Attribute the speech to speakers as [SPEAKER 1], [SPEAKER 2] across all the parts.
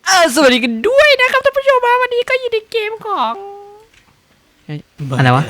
[SPEAKER 1] สวัสดีกันด้วยนะครับท่านผู้ชมวันนี้ก็อยู่ในเกมของอะไรวะ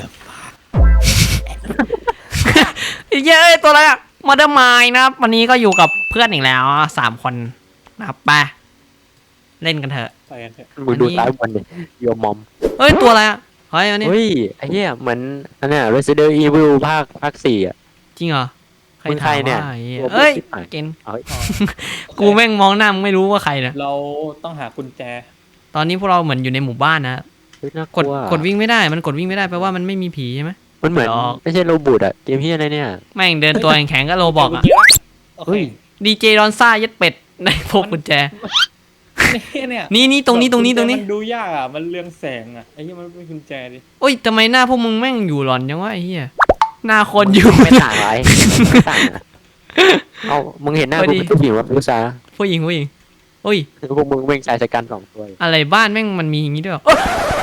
[SPEAKER 1] เย้ตัวอะไรอะมาเดอร์ไมน์นะครับวันนี้ก็อยู่กับเพื่อนอีกแล้ว3 คนนะครับไปเล่นกันเถอะ
[SPEAKER 2] ไปกันเถอะ
[SPEAKER 3] มึงดูซ้ายบนดิโยมอม
[SPEAKER 1] เฮ้ยตัวอะไรอะเฮ้ยอันนี้
[SPEAKER 3] เฮ้ยไอ้เหี้ยเหมือนอันเนี้ย Resident Evil ภาค4อ่ะ
[SPEAKER 1] จริงเหรอ
[SPEAKER 3] มึงใครเนี่ย
[SPEAKER 1] เฮ้ยเกณฑ์
[SPEAKER 3] เฮ้ย
[SPEAKER 1] กูแม่งมองหน้ามึงไม่รู้ว่าใครนะ
[SPEAKER 2] เราต้องหากุญแจ
[SPEAKER 1] ตอนนี้พวกเราเหมือนอยู่ในหมู่บ้านนะ
[SPEAKER 3] เฮ้ยน่าก
[SPEAKER 1] ด
[SPEAKER 3] ลัว
[SPEAKER 1] กดวิ่งไม่ได้มันกดวิ่งไม่ได้แปลว่ามันไม่มีผีใช่ไหม
[SPEAKER 3] มันเหมือน
[SPEAKER 1] หรอก
[SPEAKER 3] ไม่ใช่โรบูทอ่ะเกมเหี้ยอะไรเนี่ย
[SPEAKER 1] แม่งเดินตัวแข็งๆก็โรบอกอะ
[SPEAKER 2] โอ
[SPEAKER 3] เฮ้
[SPEAKER 2] เค
[SPEAKER 3] ย
[SPEAKER 1] ดีเจดอนซ่ายัดเป็ดในพกกุญแจ
[SPEAKER 2] เนี่ย
[SPEAKER 1] นี่ตรงนี้
[SPEAKER 2] มันดูยากอ่ะมันเรืองแสงอ่ะไอ้ที่มันเป็นกุญแจดิ
[SPEAKER 1] โอ้ยทำไมหน้าพวกมึงแม่งอยู่หลอนจังวะไอ้เหี้ยหน้าคนอยู่
[SPEAKER 3] ไม่ต่างไรไม่ต่างอะเอามึงเห็นหน้า
[SPEAKER 1] พอ
[SPEAKER 3] กู
[SPEAKER 1] ดี
[SPEAKER 3] เป็นผู้หญิงวะผู้ชาย
[SPEAKER 1] ผู้หญิงโอ้ย
[SPEAKER 3] พวกมึงเม่งชายชะกัน2 ตัว
[SPEAKER 1] อะไรบ้านแม่งมันมีอย่างงี้ด้วยเหรอ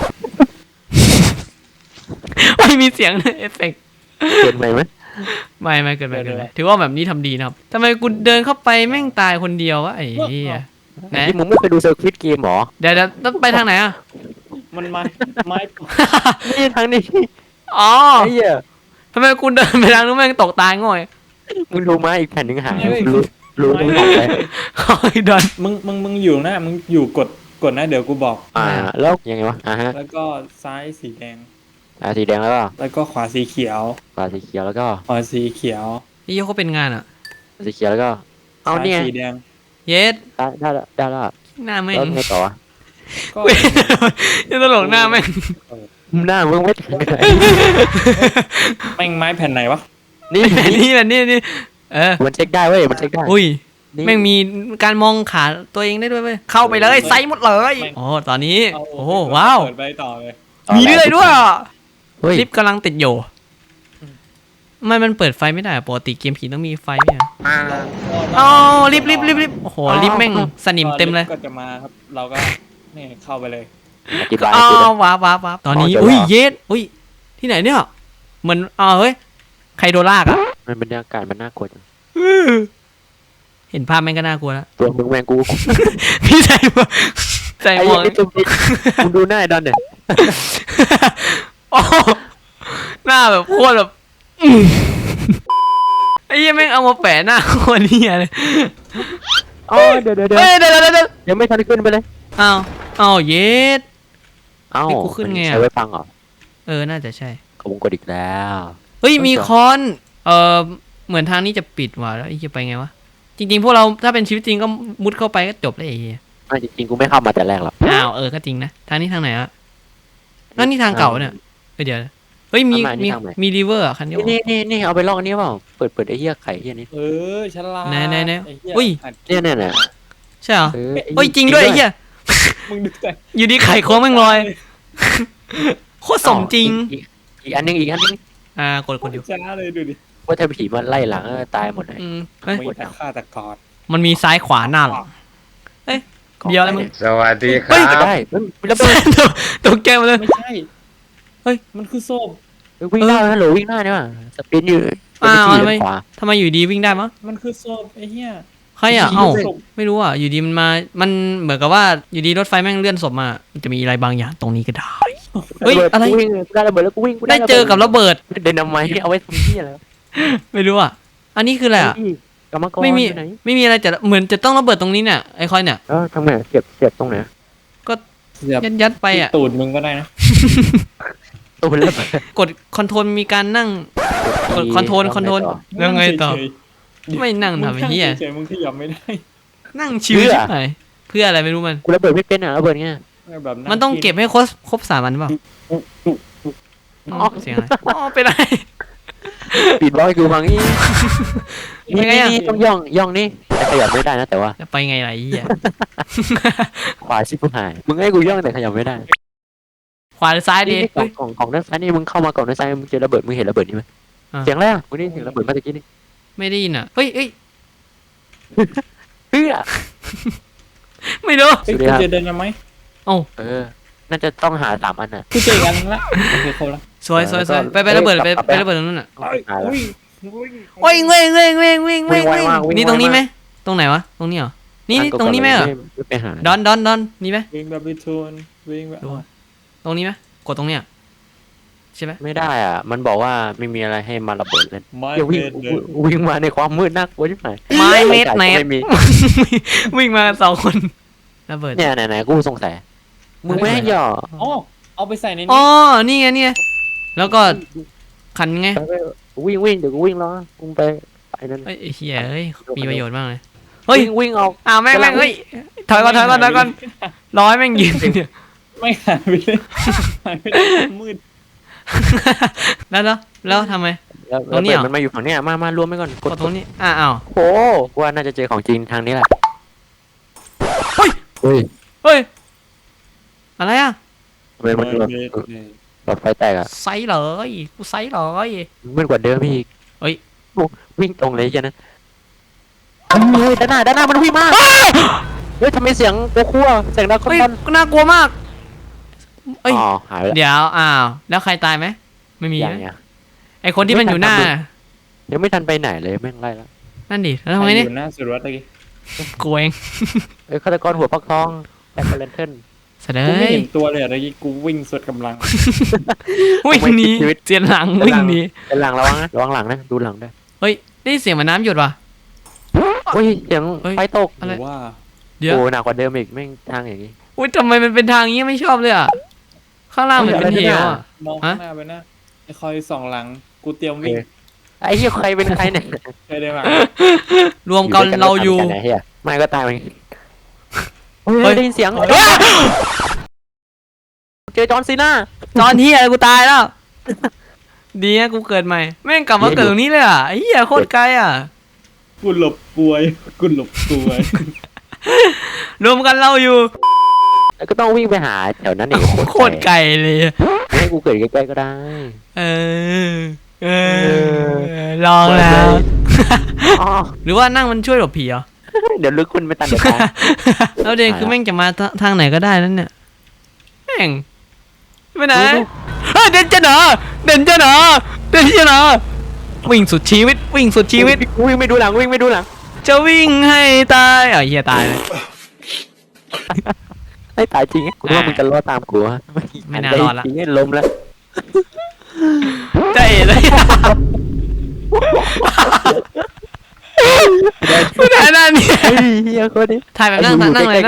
[SPEAKER 1] ไม่มีเสียงเอฟเฟกต์
[SPEAKER 3] เกินไปไหม
[SPEAKER 1] ไม่เกินไปถือว่าแบบนี้ทำดีนะครับทำไมกูเดินเข้าไปแม่งตายคนเดียววะไอ้เหี้ยไหน
[SPEAKER 3] ที่มึงไม่เคยดูเซอร์คิตเกมหรอ
[SPEAKER 1] เดี๋ยวต้องไปทางไหนอ่ะ
[SPEAKER 2] มันไม้
[SPEAKER 3] นี่ทางนี้
[SPEAKER 1] อ๋อ
[SPEAKER 3] ไอ้เหี้ย
[SPEAKER 1] ทำไมกูเดินไปทางนู้นแม่งตกตายง่อย
[SPEAKER 3] มึงดูมาอีกแผ่นหนึ่งหายรู้ตรงไหนเลย
[SPEAKER 1] โอ้ยดอน
[SPEAKER 2] มึงอยู่นะมึงอยู่กดนะเดี๋ยวกูบอก
[SPEAKER 3] แล้วยังไงวะฮะ
[SPEAKER 2] แล้วก็ซ้ายสีแดง
[SPEAKER 3] สีแดงแล้วก็
[SPEAKER 2] แล้วก็ขวาสีเขียว
[SPEAKER 3] ขวาสีเขียวแล้วก็
[SPEAKER 2] ขวาสีเขียว
[SPEAKER 1] นี่เขาเป็นงานอ่ะ
[SPEAKER 3] สีเขียวแล้วก็เอา
[SPEAKER 2] ซ้าย
[SPEAKER 3] เนี่ย
[SPEAKER 2] สีแดง
[SPEAKER 1] เยส
[SPEAKER 3] ได้แล้ว
[SPEAKER 1] หน้าแม่ง
[SPEAKER 3] แล้วไงต่อ
[SPEAKER 2] ก็
[SPEAKER 1] จะตลกหน้าแม่ง
[SPEAKER 3] หน้ามึงไม่ถึงไหน
[SPEAKER 2] แม่งไม้แผ่นไหนวะ
[SPEAKER 3] นี่
[SPEAKER 1] นี่
[SPEAKER 3] มันเช็คได้เว้ยมันเช็คได้
[SPEAKER 1] อุ้ยแม่งมีการมองขาตัวเองได้ด้วยเว้ยเข้าไปเลยไซส์หมดเลยโอ้ตอนนี้
[SPEAKER 2] เา
[SPEAKER 1] โอ้ว้าว
[SPEAKER 2] เปิดไปต่อเลย
[SPEAKER 1] มีเรื่อยด้วย
[SPEAKER 3] เฮ้ย
[SPEAKER 1] ลิฟต์กำลังติดอยู่มันเปิดไฟไม่ได้ปกติเกมผีต้องมีไฟเนี่ยอ๋อลิฟต์โอ้โหลิฟต์แม่งสนิมเต็มเลย
[SPEAKER 2] ก็จะมาครับเราก็นี่เข้าไปเลย
[SPEAKER 3] อธิบาย
[SPEAKER 1] อ๋อ
[SPEAKER 3] กูนะ
[SPEAKER 1] ว้าตอนนี้
[SPEAKER 3] อ๋อเจอแล้ว
[SPEAKER 1] อุ้ยเยสอุ้ยที่ไหนเนี่ยเหมือนเฮ้ยใครโดนลากอ่ะ
[SPEAKER 3] มันบรรยากาศมันน่ากลัวจัง
[SPEAKER 1] เห็นภาพแม่งก็น่ากลัวแล้ว
[SPEAKER 3] ตัวมึงแมงกู
[SPEAKER 1] พี่ใส่หมวก
[SPEAKER 3] ไอ้
[SPEAKER 1] วก
[SPEAKER 3] ตัวมึงดูหน้าไอ้ดอนเนี่ย
[SPEAKER 1] โอ้หน้าแบบโคตรแบบไอ้ยี่แม่งเอามาแปะหน้าโคตรเหี้ยเลย
[SPEAKER 3] อ๋อเดี๋ยว
[SPEAKER 1] เฮ้ยเดี๋ยว
[SPEAKER 3] ยังไม่ทันขึ้นไปเลย
[SPEAKER 1] อ้าวเยส
[SPEAKER 3] เอ้า
[SPEAKER 1] นี่กูขึ้นไงอะ
[SPEAKER 3] ใช้ไว้ฟังเหรอ
[SPEAKER 1] น่าจะใช่
[SPEAKER 3] ขบวนกดอีกแล้ว
[SPEAKER 1] เฮ้ยมีคอนเหมือนทางนี้จะปิดว่ะแล้วไอ้จะไปไงวะจริงๆพวกเราถ้าเป็นชีวิตจริงก็มุดเข้าไปก็จบเลยไอ้เหี้ย
[SPEAKER 3] ไม่จริงๆกูไม่เข้ามาแต่แรกหรอก
[SPEAKER 1] อ้าวก็จริงนะทางนี้ทางไหนอะนั่นนี่ทางเก่าเนี่ยเดี๋ยวเฮ้ยมีรีเวอร์อะคันนี้
[SPEAKER 3] นี่เอาไปลอกอันนี้เปล่าเปิดไอ้เหี้ยไข่เหี้ยนี้
[SPEAKER 2] ฉลาด
[SPEAKER 1] ไหน
[SPEAKER 2] ไอ้เหี้
[SPEAKER 1] อุ้ย
[SPEAKER 2] หัด
[SPEAKER 3] เนี่ย
[SPEAKER 1] ใช่เหรอ
[SPEAKER 3] เออ
[SPEAKER 1] เฮ้ยจริงด้วยไอ้เหี้ย
[SPEAKER 2] มึงดูแต่
[SPEAKER 1] อยู่ดีไข่โค้งแม่งลอยโคตรสมจริง
[SPEAKER 3] อีกอันนึง
[SPEAKER 1] กดเดียว
[SPEAKER 2] ช้าเลยดูดิ
[SPEAKER 3] ว่าถ้าผีมันไล่หลังตายหมดเลย
[SPEAKER 1] เฮ้ย
[SPEAKER 2] มีแต่ฆ่าแต่กอด
[SPEAKER 1] มันมีซ้ายขวาหน้าหลังเดียวอะไรมึง
[SPEAKER 4] สวัสดีค
[SPEAKER 1] เฮ้
[SPEAKER 4] รั
[SPEAKER 1] ย
[SPEAKER 4] บ
[SPEAKER 3] ได้แล้วไป
[SPEAKER 1] ตกใจหมาเลย
[SPEAKER 2] ไม่ใช่
[SPEAKER 1] เฮ้ย
[SPEAKER 2] มันคือโซ่
[SPEAKER 3] วิ่งได้ฮัลโหลวิ่งได้เนี่ยสปินอยู่
[SPEAKER 1] ทำไมอยู่ดีวิ่งได้มั้ง
[SPEAKER 2] มันคือโซ่ไอ้เหี้ย
[SPEAKER 1] ใครอ่ะไม่รู้อ่ะอยู่ดีมันเหมือนกับว่าอยู่ดีรถไฟแม่งเลื่อนศพมามันจะมีอะไรบางอย่างตรงนี้ก็ได้เฮ้ยอะไร
[SPEAKER 3] วิ่งได้ระเบิดแล้วกูวิ่ง
[SPEAKER 1] ได้เจอกับระเบิด
[SPEAKER 3] เดินทำไมเอาไว้ทำที่อะไร
[SPEAKER 1] ไม่รู้อ่ะอันนี้คืออะไรอ่ะ
[SPEAKER 3] กรรมกร
[SPEAKER 1] ไม่มีอะไรแต่เหมือนจะต้องระเบิดตรงนี้เนี่ยไอคอยเนี่ย
[SPEAKER 3] ทำไงเสียบตรงไหน
[SPEAKER 2] เสียบ
[SPEAKER 1] ยัดไปอ่ะ
[SPEAKER 2] ตูดมึงก็ได้นะ
[SPEAKER 3] ตัวมันระเบิด
[SPEAKER 1] กดคอนโทรลมีการนั่งกดคอนโทรลแล้วไงต่อ ไม่นั่งทำไอ้เหี้ย
[SPEAKER 2] เฉยๆมึงขยับไม่ได้
[SPEAKER 1] นั่งชิวใช่ไหมเพื่ออะไรไม่รู้มัน
[SPEAKER 3] กูระเบิดไม่เป็นอ่ะระเบิดเงี้ย
[SPEAKER 2] แบบ
[SPEAKER 1] มันต้องเก็บให้ครบ3 อันเปล่าเสียงอะไรเป็นไร
[SPEAKER 3] ปิดบล็อกกูฟังนี่
[SPEAKER 1] ยังไงอ่ะ
[SPEAKER 3] ต้องย่องนี่ขยับไม่ได้นะแต่ว่า
[SPEAKER 1] จะไปไงล่ะไอ้เหี้ย
[SPEAKER 3] ขวาชิบหายมึงให้กูย่องแต่ขยับไม่ได้
[SPEAKER 1] ขวาหรือซ้ายดี
[SPEAKER 3] ของด้านซ้ายนี่มึงเข้ามาก่อนด้านซ้ายมึงเจอระเบิดมึงเห็นระเบิดนี่ไหมเสียงแรกกูได้เสียงระเบิดมาตะกี้นี่
[SPEAKER 1] ไม่ได้ยินอ่ะเฮ้ย
[SPEAKER 3] เฮ้ย
[SPEAKER 1] ไม่รู้
[SPEAKER 2] เฮ้ยคุณจะเดินมาไหม
[SPEAKER 3] น่าจะต้องหา3 อันน่ะ
[SPEAKER 2] คือเจอกันละโอเคครบละ
[SPEAKER 1] สวยไประเบิดไประเบิดตรงนั้นอ่ะ
[SPEAKER 2] อุ้ย
[SPEAKER 1] โอ้ยเว้งนี่ตรงนี้ไหมตรงไหนวะตรงนี้เหรอนี่
[SPEAKER 3] ทาเก่าๆ
[SPEAKER 1] ตรงนี้ไหมเหรอ
[SPEAKER 3] ไม่ไปหา
[SPEAKER 1] ดอนนี่ไหม
[SPEAKER 2] วิ่งแบบบิทูนวิ่งแบบ
[SPEAKER 1] ดูตรงนี้ไหมกดตรงเนี้ยใช่ไหม
[SPEAKER 3] ไม่ได้อ่ะ มันบอกว่าไม่มีอะไรให้มาระเบิดเลย
[SPEAKER 2] ไม่
[SPEAKER 3] เดี๋ยววิ่ง
[SPEAKER 2] เดิน
[SPEAKER 3] วิ่งมาในความมืดน่ากลัวใช่ไหม
[SPEAKER 1] ไม้เม็ด
[SPEAKER 3] ไฟ
[SPEAKER 1] ไหน
[SPEAKER 3] ฉายก็ไม่มี
[SPEAKER 1] วิ่งมากัน2 คนระเบิด
[SPEAKER 3] เนี่ยไหนๆกูสงสัยมึงไม่ให้หย่อ
[SPEAKER 2] อ๋อเอาไปใส่ใน
[SPEAKER 1] อ๋
[SPEAKER 2] นี้
[SPEAKER 1] อนี่ไงแล้วก็ขันไง
[SPEAKER 3] ไปวิ่งเดี๋ยวกูวิ่งรอมึงไปนั่น
[SPEAKER 1] เอ้ยไอ้เหี้ยเอ้ยมีประโยชน์มากเลยเฮ้ย
[SPEAKER 3] วิ่งออก
[SPEAKER 1] แม่งเฮ้ยถอยก่อนร้อยแม่งยืนเนี่ย
[SPEAKER 2] ไม่หายไปเลยหายไปเลยมืด
[SPEAKER 1] แล้วทำไม
[SPEAKER 3] แล้ว
[SPEAKER 1] ตรงนี้เหรอ
[SPEAKER 3] มันมาอยู่ฝั่งเนี้ยมารวมไปก่อน
[SPEAKER 1] กดตรงนี้อ้าว
[SPEAKER 3] โอ้ว่าน่าจะเจอของจริงทางนี้แหละ
[SPEAKER 1] เฮ้ย
[SPEAKER 3] เฮ้ย
[SPEAKER 1] เฮ้ยอะไรอ่ะ
[SPEAKER 3] ทำไมมันหลอดไฟแตกอ่ะ
[SPEAKER 1] ไซส์เลยกูไซส์เลย
[SPEAKER 3] มืดกว่าเดิมอีก
[SPEAKER 1] เฮ้ย
[SPEAKER 3] โอ้วิ่งตรงเลยแค่นั้นเฮ้ยด้านหน้ามันวิ่งมาเฮ้ยทำไมเสียงโกคั่วเสียงดังค
[SPEAKER 1] เฮ้ย
[SPEAKER 3] อน
[SPEAKER 1] ก็น่ากลัวมากเอ้ย
[SPEAKER 3] อ๋อหายไปแล้ว
[SPEAKER 1] เดี๋ยวแล้วใครตายไหมไม่มี
[SPEAKER 3] อย่าง
[SPEAKER 1] นะ
[SPEAKER 3] เงี้ย
[SPEAKER 1] ไอคนที่มันอยู่หน้า
[SPEAKER 3] ยังไม่ทันไปไหนเลยแม่งไล่แล้ว
[SPEAKER 1] นั่นดิแล้วทำไงนี่
[SPEAKER 2] อยู่หน้าสุดวัดตะกี้
[SPEAKER 1] กลัวเอง
[SPEAKER 3] เอ้ยฆาตกรหัวฟักทองแจ็คเลนเทิล
[SPEAKER 1] เสด็
[SPEAKER 2] กูไม่
[SPEAKER 1] จ
[SPEAKER 2] เห็นตัวเลยอะตะกี้กูวิ่งสุดกำลัง
[SPEAKER 1] วิ่งหนีเจียนหลังวิ่งหนี
[SPEAKER 3] เป็นหลังระวังนะระวังหลังนะดูหลังด้วย
[SPEAKER 1] เฮ้ยได้ยินเสียงเหมือนน้ำหยดว่ะ
[SPEAKER 3] โอ้ยเสียง
[SPEAKER 1] เฮ้ย
[SPEAKER 3] ไฟตก
[SPEAKER 1] อะไร
[SPEAKER 2] ว่า
[SPEAKER 1] เดี๋ยว
[SPEAKER 3] โอ้หนักกว่าเดิมอีกแม่งทางอย่างนี้
[SPEAKER 1] อุ้ยทำไมมันเป็นทางนี้ไม่ชอบเลยอ่ะข้างล่างเหมือนเป็นเหวอ่ะ
[SPEAKER 2] มองข้างหน้าไปนะไอ้คอยส่องหลังกูเตรียมวิ่ง
[SPEAKER 3] ไอ้เหี้ยใครเป็นใครเนี่ย
[SPEAKER 2] เคยได้มาร
[SPEAKER 1] วมกันเราอยู่
[SPEAKER 3] ไหนเหี้ยไม่ก็ตายมัน
[SPEAKER 1] เฮ้
[SPEAKER 3] เฮ้
[SPEAKER 1] ย
[SPEAKER 3] ยได้ยินเสียงเจอจอห์นซีน่า
[SPEAKER 1] ตอนที่อะไรกูตายแล้ว ดีนะกูเกิดใหม่ แม่งกลับมาเกิดตรงนี้เลยอ่ะไอ้เหี้ยโคตรไกลอ่ะ
[SPEAKER 2] กูหลบกลวยกูหลบกลวย
[SPEAKER 1] รวมกันเราอยู่
[SPEAKER 3] แล้วก็ต้องวิ่งไปหาแถวนั้นอีก
[SPEAKER 1] โคตรไกลเลย
[SPEAKER 3] ให้กูเกิดใกล้ๆก็ได้
[SPEAKER 1] เอลองแล้ว
[SPEAKER 3] อ๋อ
[SPEAKER 1] หรือว่านั่งมันช่วยหลบผีเหรอ
[SPEAKER 3] เดี๋ยวลึกคุณไปตันเดี๋ยวตาย
[SPEAKER 1] แล้วเดนคือแม่งจะมาทางไหนก็ได้นั่นเนี่ยแม่งไปไหนเฮ้ยเดนจะหนอวิ่งสุดชีวิตวิ่งสุดชีวิต
[SPEAKER 3] วิ่งไม่ดูหลังวิ่งไม่ดูหลัง
[SPEAKER 1] จะวิ่งให้ตายเฮียตายเลย
[SPEAKER 3] ให้ตายจริงกูว่ามึงจะรอดตามกูฮะ
[SPEAKER 1] ไม่น่ารอดละ
[SPEAKER 3] จริงๆล้มแล้ว
[SPEAKER 1] ใจเลยไม่ได้นั่นเนี่ย
[SPEAKER 3] เฮ้ยเฮียคนนี้
[SPEAKER 1] ถ่ายแบบนั่งเลย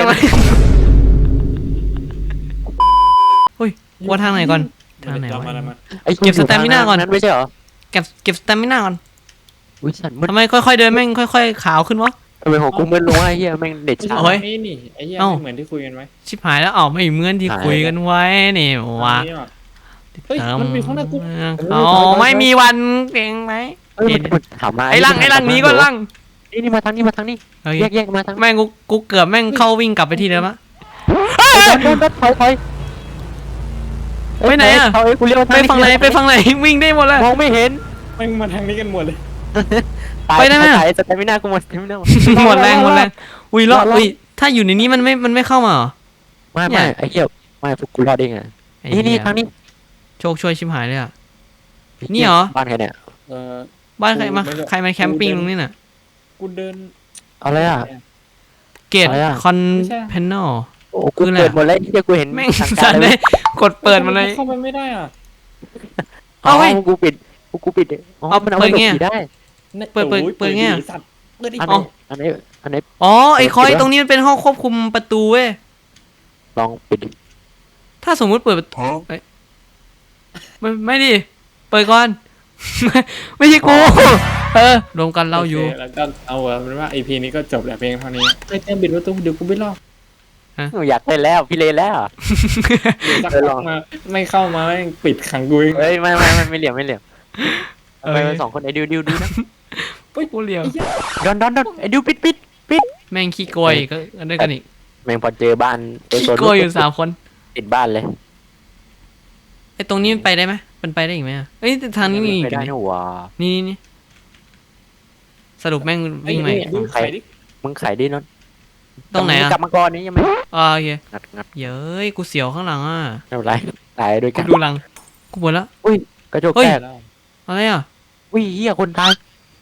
[SPEAKER 1] เฮ้ยว่าทางไหนก่อนทางไหนวะ
[SPEAKER 3] ไอ้
[SPEAKER 1] เก็บสแตมิน่าก่อน
[SPEAKER 3] นั้นไม่ใช่เหรอ
[SPEAKER 1] เก็บสแตมิน่าก่อน
[SPEAKER 3] อุ้ยสัตว์มัน
[SPEAKER 1] ทำไมค่อยๆเดินแม่งค่อยๆขาวขึ้นวะ
[SPEAKER 3] ทำไมของกูมันลงไอ้เฮียแม่งเด็ดช้า
[SPEAKER 1] โอ้ย
[SPEAKER 2] นี่ไอ้เหี้ย
[SPEAKER 1] เอ้า
[SPEAKER 2] เหมือนที่คุยกันไหม
[SPEAKER 1] ชิบหายแล้วไม่เหมือนที่
[SPEAKER 3] หาย
[SPEAKER 1] คุยกันไว้นี่วะ
[SPEAKER 2] เฮ้ยมันมีข้างหน้ากู
[SPEAKER 1] ไม่มีวันเก่งไหม
[SPEAKER 3] เอ้ยมันถามมา
[SPEAKER 1] ไอ้ลังนี้ก็ลัง
[SPEAKER 3] นี่มาทางนี้แยกมาทาง
[SPEAKER 1] แม่งกูเกือบแม่งเข้าวิ่งกลับไปที่เดิมอะ
[SPEAKER 3] เดินถอย
[SPEAKER 1] ไปไหนอะ
[SPEAKER 3] ถอยกูเลี้ยว
[SPEAKER 1] ไปฝั่งไหนวิ่งได้หมดเลย
[SPEAKER 3] มองไม่เห็น
[SPEAKER 2] แม่งมาทางนี้กันหมดเลย
[SPEAKER 1] ไปได้ไหม
[SPEAKER 3] ตายสเตมิน่ากูหมดสเตมิน่า
[SPEAKER 1] หมดแรงอุ้ยรอดอุ้ยถ้าอยู่ในนี้มันไม่เข้ามาเหรอ
[SPEAKER 3] ไม่ไอ้เหี้ยไม่พวกกูรอดเองอ่ะนี่ทางนี้
[SPEAKER 1] โชคช่วยชิบหายเลยอะ นี่เหรอ
[SPEAKER 3] บ้านใครเนี่ย
[SPEAKER 1] บ้านใครมาแคมปิ้งตรงนี้น่ะ
[SPEAKER 2] กูเดิน
[SPEAKER 3] อะไรอ่ะ
[SPEAKER 1] เกต
[SPEAKER 3] อะไรอะ
[SPEAKER 1] คอนเพนนอล
[SPEAKER 3] โอ้กูเปิดหมดเลยที่กูเห็น
[SPEAKER 1] แม่ง
[SPEAKER 3] ทาง
[SPEAKER 1] สั
[SPEAKER 3] กาน ร
[SPEAKER 1] เล
[SPEAKER 3] เลย ย
[SPEAKER 1] กดเปิดมาเลย
[SPEAKER 2] เข้าไปไม่ได้อ่ะ
[SPEAKER 1] เอาเว้ย
[SPEAKER 3] กูปิดอ๋อ
[SPEAKER 1] เอา
[SPEAKER 3] มันเอาไป
[SPEAKER 1] เปิดไง
[SPEAKER 3] ผีได้
[SPEAKER 1] เปิดไงอะ
[SPEAKER 2] สัตว์เปิดดิ
[SPEAKER 3] อันไหน
[SPEAKER 1] อ๋อไอ้คอยตรงนี้มันเป็นห้องควบคุมประตูเว้ย
[SPEAKER 3] ลองปิดดิ
[SPEAKER 1] ถ้าสมมุติเปิดประตูเอ้ยไม่ดิเปิดก่อน ไม่ใช่กูรวมกันเราอยู่
[SPEAKER 2] โคแล้วก็เอาเป็นว่า EP นี้ก็จบแล้วเพียงเท่านี้เฮ้ยเต็มบิดประตูเดี๋ยวกูไม่รอด
[SPEAKER 3] หนูอยากเล่นแล้วพี่เลนแล้ว
[SPEAKER 2] เดี๋ยวสักพักมาไม่เข้ามาแม่งปิดขังกูเอง
[SPEAKER 3] เฮ้ยไม่เหลี่ยมไปสองคนไอ้ดิวดูนะ
[SPEAKER 1] กูเลียว
[SPEAKER 3] ดอนไอ้ดิวปิด
[SPEAKER 1] แม่งขี้โกยก็ด้วยกันอีก
[SPEAKER 3] แม่งพอเจอบ้านเจอ
[SPEAKER 1] ขี้
[SPEAKER 3] โซน
[SPEAKER 1] โกยอยู่3 คน
[SPEAKER 3] ติดบ้านเลย
[SPEAKER 1] ไอ้ตรงนี้มันไปได้ไหมมันไปได้อีกไหมอะเอ้ยแต่ทางนี้มีอีก
[SPEAKER 3] ไม่ได้
[SPEAKER 1] นี่
[SPEAKER 3] นี่หว่า
[SPEAKER 1] นี่สรุปแม่งวิ่งไหม
[SPEAKER 2] ดูไข่ดิ
[SPEAKER 3] มึงขายดินน
[SPEAKER 1] ตรงไหนอะ
[SPEAKER 3] กลับมาก่อนนี้ยังไม่
[SPEAKER 1] โอเค
[SPEAKER 3] งัด
[SPEAKER 1] เย้ยกูเสียวข้างหลังอ่ะ
[SPEAKER 3] ไม่เป็นไรตายด้วย
[SPEAKER 1] กู
[SPEAKER 3] กัน
[SPEAKER 1] ดูหลังกูปวดแล้ว
[SPEAKER 3] กระจก
[SPEAKER 1] เฮ้ย
[SPEAKER 3] แตก
[SPEAKER 1] อะไรอ่ะ
[SPEAKER 3] วิ่งเหี้ยคนตาย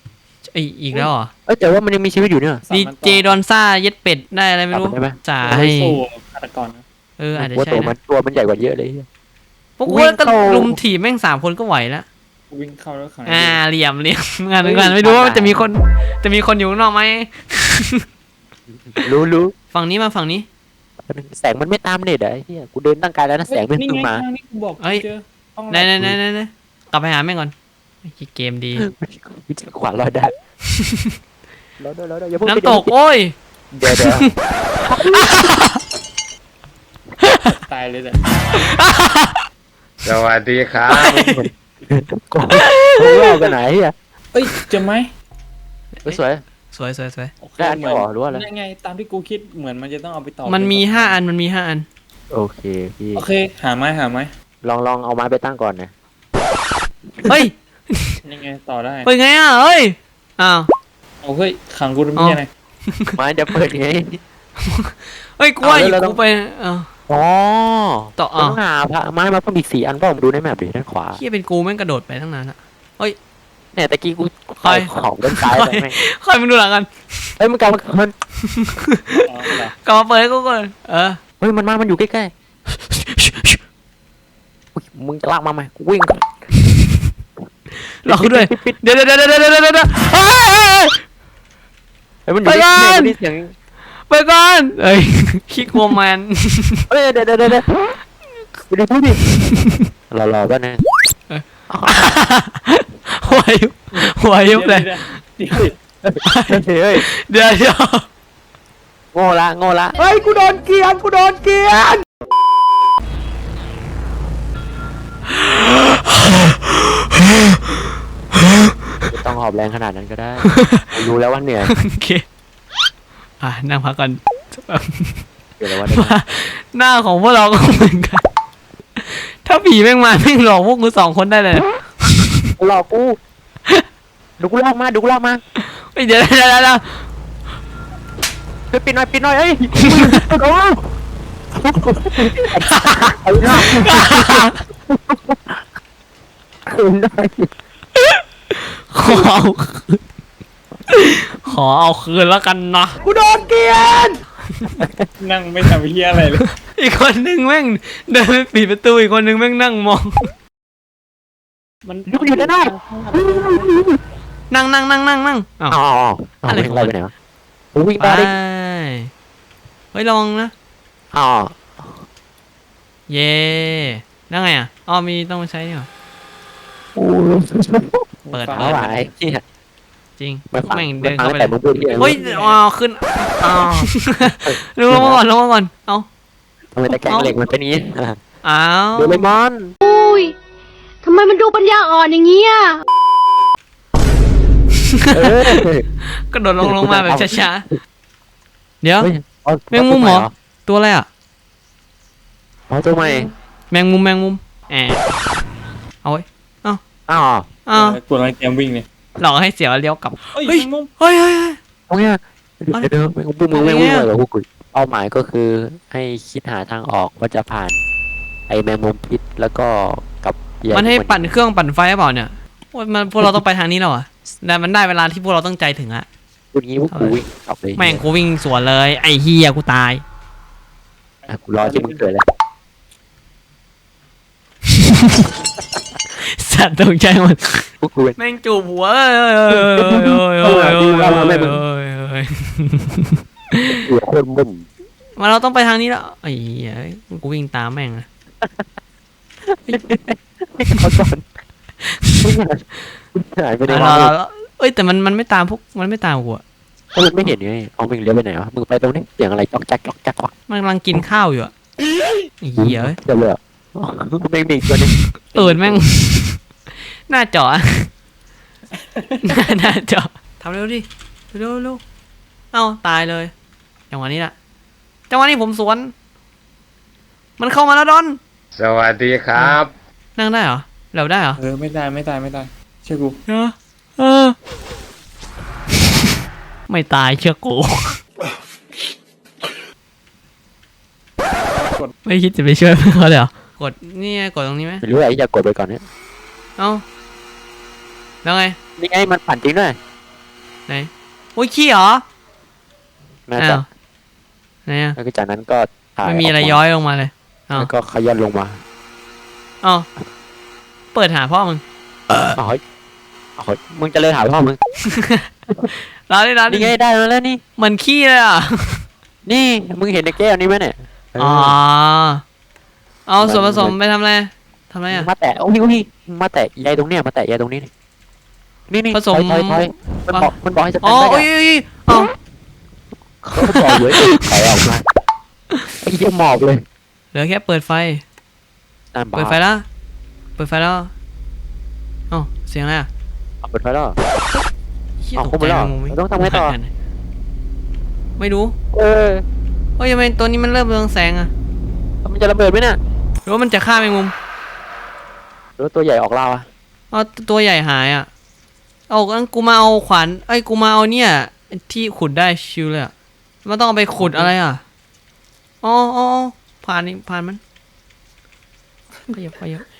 [SPEAKER 1] อีกแล้วเหรอ
[SPEAKER 3] แต่ว่ามันยังมีชีวิตอยู่เนี่ย
[SPEAKER 1] ดีเจดอนซ่าเย็ดเป็ดได้อะไรไม่รู้
[SPEAKER 3] ได้ไหม
[SPEAKER 1] จ่า
[SPEAKER 2] ให้
[SPEAKER 1] ให้
[SPEAKER 2] สู้ฆาตกรนะ
[SPEAKER 1] อาจจะ
[SPEAKER 3] ว่า
[SPEAKER 1] ใช่
[SPEAKER 3] ตัว
[SPEAKER 1] นะ
[SPEAKER 3] มันใหญ่กว่าเยอะเลย
[SPEAKER 1] พวก
[SPEAKER 3] วิ่
[SPEAKER 1] กู
[SPEAKER 3] ง
[SPEAKER 1] ก็
[SPEAKER 3] เข้า
[SPEAKER 1] ลุมถีบแม่ง3 คนก็ไหวแล้ว
[SPEAKER 2] วิ่งเข้าแล้วขัง
[SPEAKER 1] เหลี่ยมงานไม่รู้ว่าจะมีคนอยู่ข้างนอกไหม
[SPEAKER 3] รู้
[SPEAKER 1] ฝั่งนี้มาฝั่งนี้
[SPEAKER 3] แสงมันไม่ตามเน็ตอะไอ้เหี้ยกูเดินตั้งไกลแล้วนะแสงไม่
[SPEAKER 2] นี่
[SPEAKER 3] เพิ่ง
[SPEAKER 2] ไง
[SPEAKER 3] มา
[SPEAKER 2] ทางนี้กูบอก
[SPEAKER 1] เอ้ย
[SPEAKER 2] เจอห้อง
[SPEAKER 1] ไหนกลับไปหาแม่งก่อนไอ้เกมดี
[SPEAKER 3] ขวานลอยได้รอด้วยอย่าเพิ่ง
[SPEAKER 1] น้ำตกโอ้ย
[SPEAKER 3] เดี๋ยว
[SPEAKER 2] ตายเลยแต่
[SPEAKER 4] สวัสดีครับ
[SPEAKER 3] กูเล่ากันไหนอ่ะ
[SPEAKER 2] เอ้ยเจอไหม
[SPEAKER 3] สวย
[SPEAKER 1] สวย
[SPEAKER 2] โอเค
[SPEAKER 3] ได้อันเดียวเหรอหรือว่าอะไร
[SPEAKER 2] นั่นไงตามที่กูคิดเหมือนมันจะต้องเอาไปต่อ
[SPEAKER 1] มันมี5 อันมัน
[SPEAKER 3] โอเคพี่
[SPEAKER 2] โอเคหาไหม
[SPEAKER 3] ลองเอาไม้ไปตั้งก่อนนะ
[SPEAKER 1] เฮ้ย
[SPEAKER 2] ยังไงต่อได้
[SPEAKER 1] เฮ้ยไงอ่ะเฮ้ยอ้าว
[SPEAKER 2] เอาเฮ้ยขังกูทำไมไง
[SPEAKER 3] ไม้จะเปิดไง
[SPEAKER 1] เฮ้ยกูว่าอยู่กูไปอ้าว
[SPEAKER 3] อ๋อ
[SPEAKER 1] ต่อ
[SPEAKER 3] ต้องหาพระไม้มาเพิ่มอีก4 อันเปล่าผมดูในแมปดิด้านขวา
[SPEAKER 1] เฮียเป็นกูแม่งกระโดดไปตั้งนานละ
[SPEAKER 3] เนี่ยตะกี้กู
[SPEAKER 1] ใคร
[SPEAKER 3] ของด้านซ้ายไปแม่ง
[SPEAKER 1] ค่อยมาดูหลังกัน
[SPEAKER 3] เฮ้ยมันกลับมามัน
[SPEAKER 2] อ๋อเหรอก
[SPEAKER 1] ลับมาเปิดให้กูก่อน
[SPEAKER 3] เฮ้ยมันอยู่ใกล้ๆอุ๊ยมึงจะลากมาไหมกูวิ่งก่อน
[SPEAKER 1] รอกูด้วย
[SPEAKER 3] ปิด
[SPEAKER 1] เดี๋ยวเฮ้ย
[SPEAKER 3] เฮ้ยมันอยู่
[SPEAKER 1] ไปก่อน
[SPEAKER 3] ที่เสียง
[SPEAKER 1] ไปก่อนเอ้ยขี้กลัวแมน
[SPEAKER 3] เฮ้ยเดี๋ยวไปดูพูดดิรอก็นะ
[SPEAKER 1] หัวยุบเลย
[SPEAKER 2] เดี๋ยว
[SPEAKER 3] เฮ้ย
[SPEAKER 1] เดี๋ยว
[SPEAKER 3] โง่ละ
[SPEAKER 1] เฮ้ยกูโดนเกลียน
[SPEAKER 3] ไม่ต้องหอบแรงขนาดนั้นก็ได้รู้แล้วว่าเหนื่อย
[SPEAKER 1] โอเคนั่งพักก่อน
[SPEAKER 3] เดี๋ยวแล้วว่าเหนื่อย
[SPEAKER 1] หน้าของพวกเราก็เหมือนกัน ถ้าผีแม่งมาแม่งหลอกพวกกู2 คนได้เลย
[SPEAKER 3] หลอกกูดูกูลากมา
[SPEAKER 1] เฮ้ยเดี๋ยว
[SPEAKER 3] เฮ้ยปิดหน่อยเฮ้ยโอ้เอาหน้าคืนได้
[SPEAKER 1] ขอเอาคืนแล้วกันนะกูโดนเกลียน
[SPEAKER 2] นั่งไม่ทำเฮียอะไรเลย
[SPEAKER 1] อีกคนนึงแม่งเดินไปปิดประตูอีกคนนึงแม่งนั่งมอง
[SPEAKER 2] มัน
[SPEAKER 3] อยู่ได้
[SPEAKER 1] นั่งอ้าว
[SPEAKER 3] อ๋ออะไรไปไหนวะวิ่งได้ดิ
[SPEAKER 1] เฮ้ยลองนะ
[SPEAKER 3] อ๋อ
[SPEAKER 1] เย่นั่งไงอ่ะมีต้องมาใช้นี่หรอ เปิด
[SPEAKER 3] เอาไหวที่
[SPEAKER 1] จริง
[SPEAKER 3] ไม่ฟัง
[SPEAKER 1] แม่ง
[SPEAKER 3] ไม่
[SPEAKER 1] เดิน
[SPEAKER 3] ฟัง
[SPEAKER 1] เข้าไป
[SPEAKER 3] แต่มึงพูดที่
[SPEAKER 1] เฮ้ยขึ้นลงมาก่อนเอา
[SPEAKER 3] ทำไมตะแกรงเหล็กมันเป็นนี้
[SPEAKER 1] อ้าว
[SPEAKER 3] โดเรมอน
[SPEAKER 5] อุ้ย ทำไมมันดูปัญญาอ่อนอย่างเงี้ย
[SPEAKER 1] กระโดดลงมาแบบช้าๆเดี๋ยว แมงมุมเหรอ ตัวอะไรอ่ะ
[SPEAKER 3] อ๋อตัวใหม่
[SPEAKER 1] แมงมุมเอาไว้
[SPEAKER 3] อ๋อ
[SPEAKER 2] กดอะไรเตรียมวิ่งเลย
[SPEAKER 1] หลอกให้เสียวเลี้ยวกลับ
[SPEAKER 2] เฮ้ย
[SPEAKER 1] เฮ้ย
[SPEAKER 2] มุม
[SPEAKER 1] เฮ้ย
[SPEAKER 3] ตรงเนี้ยเดี๋ยวมึงไม่วิ่งเลยเหรอพวกกูเป้าหมายก็คือให้คิดหาทางออกว่าจะผ่านไอแมงมุมพิษแล้วก็กับ
[SPEAKER 1] มันให้ปั่นเครื่องปั่นไฟหรือเปล่าเนี่ยโอ้ยมันพวกเราต้องไปทางนี้แล้วอ่ะแต่มันได้เวลาที่พวกเราต้องใจถึงอะ
[SPEAKER 3] พูดงี้พวกกูวิ่งกลับเลย
[SPEAKER 1] แม่งกูวิ่งสวนเลย ไอ้เฮียกูตาย
[SPEAKER 3] กูรอที่มึงเกิดแล้ว
[SPEAKER 1] สัตว์ตกใจหมด
[SPEAKER 3] พวกกู
[SPEAKER 1] แม่งจูบหัว
[SPEAKER 3] หัวโคตรมึน
[SPEAKER 1] มาเราต้องไปทางนี้แล้วไอ้เหี้ยกูวิ่งตามแม่งนะ
[SPEAKER 3] เขาสอนหายไปในห้อง
[SPEAKER 1] เอ้ยแต่มันไม่ตามพวกมันไม่ตามกูอะ
[SPEAKER 3] ก็มึงไม่เห็นไงเอามึงเลี้ยวไปไหนวะมึงไปตรงนี้เสียงอะไรจ๊อกแจ๊กจ๊อกแจ๊ก
[SPEAKER 1] มันกำลังกินข้าวอยู่อะไอ้เหี้ย
[SPEAKER 3] เดี๋ยวเลยแม่งมีตัวนึง
[SPEAKER 1] แม่งหน้าจอหน้าจอทำเร็วดิเร็วเอ้าตายเลยจังหวะนี้แหละจังหวะนี้ผมสวนมันเข้ามาแล้วดอน
[SPEAKER 4] สวัสดีครับ
[SPEAKER 1] นั่งได้เหรอเราได้เหรอ
[SPEAKER 2] ไม่ได้เชื่อกู
[SPEAKER 1] ไม่ตายเชื่อกูไม่คิดจะไปช่วยเขาเลยเหรอกดนี่ไงกดตรงนี้ไหม
[SPEAKER 3] ไม่รู้ไอ้จะกดไปก่อนเนี่ย
[SPEAKER 1] เอ้าแล้วไง
[SPEAKER 3] นี่ไงมันปั่นจริงด้วย
[SPEAKER 1] ไหนโอ้ยขี้เหรอ
[SPEAKER 3] น่าจะ
[SPEAKER 1] อ้าวไหนอะ
[SPEAKER 3] แล้วก็จากนั้นก็ถ่าย
[SPEAKER 1] ไม่มีอะไร
[SPEAKER 3] กา
[SPEAKER 1] ย้อยลงมาเลยอ้าว
[SPEAKER 3] แล้วก็ขยันลงมา
[SPEAKER 1] อ้าวเปิดหาพ่อมึง
[SPEAKER 3] อ๋อเฮ้ยอ๋อเฮ้ยมึงจะเลยหาพ่อมึง
[SPEAKER 1] ร้านนี้ร้าน
[SPEAKER 3] นี่ไงได้มาแล้วนี่
[SPEAKER 1] เหมือนขี้เลยอ่ะ
[SPEAKER 3] นี่มึงเห็นในแก้วนี้ไหมเนี่ยเ
[SPEAKER 1] อ๋อเอาส่วนผสมไปทำอะไรทำอะไร
[SPEAKER 3] มึ
[SPEAKER 1] อ่ะ
[SPEAKER 3] งมาแตะโอ้ยมึงมาแตะใยตรงเนี้ยมาแตะใยตรงนี้นี่นี่
[SPEAKER 1] ผสม
[SPEAKER 3] ถอยมันบอกให้สแต
[SPEAKER 1] อ๋อน
[SPEAKER 3] ได้
[SPEAKER 1] โอ้ยเอา
[SPEAKER 3] เขาบอกเยอะถอยออกมาไอ้เหี้ยหมอบเลย
[SPEAKER 1] เหลือแค่เปิดไฟ
[SPEAKER 3] นั่นบ้า
[SPEAKER 1] เปิดไฟแล้วเปิดไฟแล้วเอ้าเสียงอะไรอ่ะ
[SPEAKER 3] เอาเปิดไฟแล้ว
[SPEAKER 1] เหี้ย
[SPEAKER 3] เอา
[SPEAKER 1] ต
[SPEAKER 3] เข้าก ไป
[SPEAKER 1] ใจ
[SPEAKER 3] แล้ว
[SPEAKER 1] งงไหม
[SPEAKER 3] เราต้องทำไงต่อ
[SPEAKER 1] ไม่รู้
[SPEAKER 3] เออ
[SPEAKER 1] เฮ้ยทำไมตัวนี้มันเริ่มเรืองแสงอ่ะ
[SPEAKER 3] มันจะระเบิดไหมเนี่ย
[SPEAKER 1] หรือว่ามันจะฆ่าแมงมุม
[SPEAKER 3] หรือว่าตัวใหญ่ออกล่าอะ
[SPEAKER 1] เอาตัวใหญ่หายอ่ะเอางั้นกูมาเอาขวานไอ้ยกูมาเอาเนี่ยที่ขุดได้ชิวเลยอ่ะมันต้องเอาไปขุดอะไรอ่ะอ๋อผ่านนี่ผ่านมันขยับ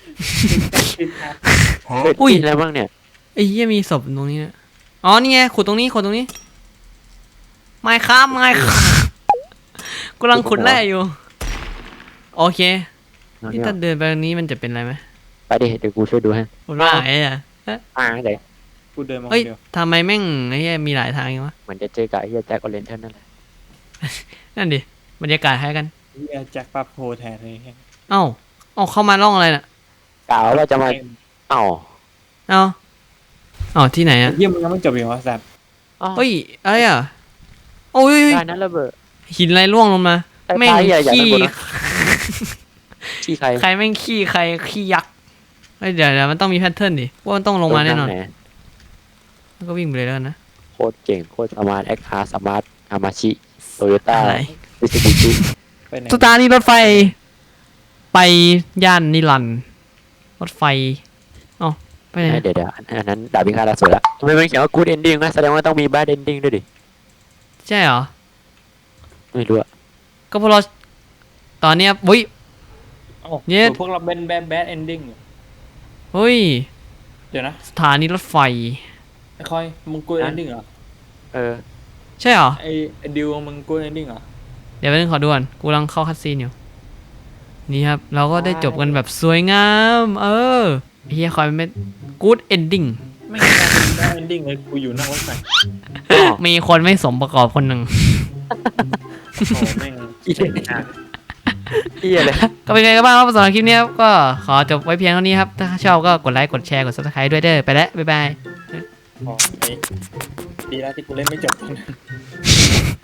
[SPEAKER 1] อุ้ย
[SPEAKER 3] กินอะไรบ้างเนี่ย
[SPEAKER 1] ไอ้เหี้ยมีศพตรงนี้เนี่ยอ๋อนี่ไงขุดตรงนี้ขุดตรงนี้ไม่ครับกำลังขุดแร่อยู่โอเคนี่ถ้าเดินไปตรงนี้มันจะเป็นอะไรไหม
[SPEAKER 3] ไปดิเดี๋ยวกูช่วยดูให้
[SPEAKER 1] ขุดว่าไงอ่ะ
[SPEAKER 3] เดี๋ยว
[SPEAKER 2] กูเดินมาค
[SPEAKER 1] เฮ้ย
[SPEAKER 2] นเดียว
[SPEAKER 1] ทำไมแม่งไอ้เหี้ยมีหลายทางอย่างวะ
[SPEAKER 3] เหมือนจะเจอกับไอ้เหี้ยแจ็คออเรนเทนนั่นแหละ
[SPEAKER 1] นั่นดิบรรยากาศคล้ายกัน
[SPEAKER 2] เฮียแจ็คปั๊บโพแทนเลย
[SPEAKER 1] เอ้าเข้ามาล่องอะไรน่ะ
[SPEAKER 3] กล่าวว่าจะมาเอ้า
[SPEAKER 1] เอ้าที่ไหนอ่ะ
[SPEAKER 2] เฮียมึงยังไม่จบอีกเหรอสัตว์
[SPEAKER 1] เฮ้ยอะไรอ่ะโอ้ย
[SPEAKER 3] ได้นั้นระเบิด
[SPEAKER 1] หินอะไรร่วงลงมา
[SPEAKER 3] ไอ้
[SPEAKER 1] แม่ง
[SPEAKER 3] ปลาใหญ่ๆ
[SPEAKER 1] ขี้
[SPEAKER 3] นั่นบนนะ ที่ใคร
[SPEAKER 1] ใครแม่งขี้ใครขี้ยักษ์เฮ้ยเดี๋ยวมันต้องมีแพทเทิร์นดิว่ามันต้องลงมาแน่นอน
[SPEAKER 3] ไห
[SPEAKER 1] แล้วก็วิ่งไปเลยแล้วกันนะ
[SPEAKER 3] โคตรเก่งโคตรสมาร์ทแอคฮาร์สมาร์ทอามาชิโตโยต้า
[SPEAKER 1] อะไร
[SPEAKER 3] มิตซูบิชิ
[SPEAKER 2] ไปไหน
[SPEAKER 1] สถานีรถไฟ ไปย่านนิรันดร์รถไฟเอ้าไปไหน
[SPEAKER 3] เดี๋ยวอันนั้นดาบพิฆาตอสูรละทำไมมันเขียนว่า good ending นะแสดงว่าต้องมี bad ending ด้วยดิ
[SPEAKER 1] ใช่เหรอ
[SPEAKER 3] ไม่รู้อะ
[SPEAKER 1] ก็เพราะเราตอนเนี้ยอุ้ย
[SPEAKER 2] เอ้า
[SPEAKER 1] เนี่ย
[SPEAKER 2] พวกเราเป็นแบดเอนดิ้ง
[SPEAKER 1] เฮ้ย
[SPEAKER 2] เดี๋ยวนะ
[SPEAKER 1] สถานีรถไฟ
[SPEAKER 2] ไอ้คอยมึงกูเอนดิ้งเหรอ
[SPEAKER 3] เออ
[SPEAKER 1] ใช่เหรอ
[SPEAKER 2] ไอ้ดิวมึงกูเอนดิ้งเหรอ
[SPEAKER 1] เดี๋ยวไปนึงขอดูก่อนกูกำลังเข้าคัดซีนอยู่นี่ครับเราก็ได้จบกันแบบสวยงามเฮียคอยเป็น good ending
[SPEAKER 2] ไม่ใช่แบดเอนดิ้งเลยกูอยู่นอกรถไฟ
[SPEAKER 1] มีคนไม่สมประกอบคนหนึ่ง
[SPEAKER 2] โอ้โหแม่ง
[SPEAKER 3] อีเหี้ยเลย
[SPEAKER 1] ก็เป็นไงกันบ้างครับสำหรับคลิปนี้ครับก็ขอจบไว้เพียงเท่านี้ครับ ถ้าชอบก็กดไลค์กดแชร์กด subscribe ด้วยเด้อไปแล้ว บ๊ายบาย
[SPEAKER 2] อ๋อไอ้ดีแล้วที่กูเล่นไม่จบ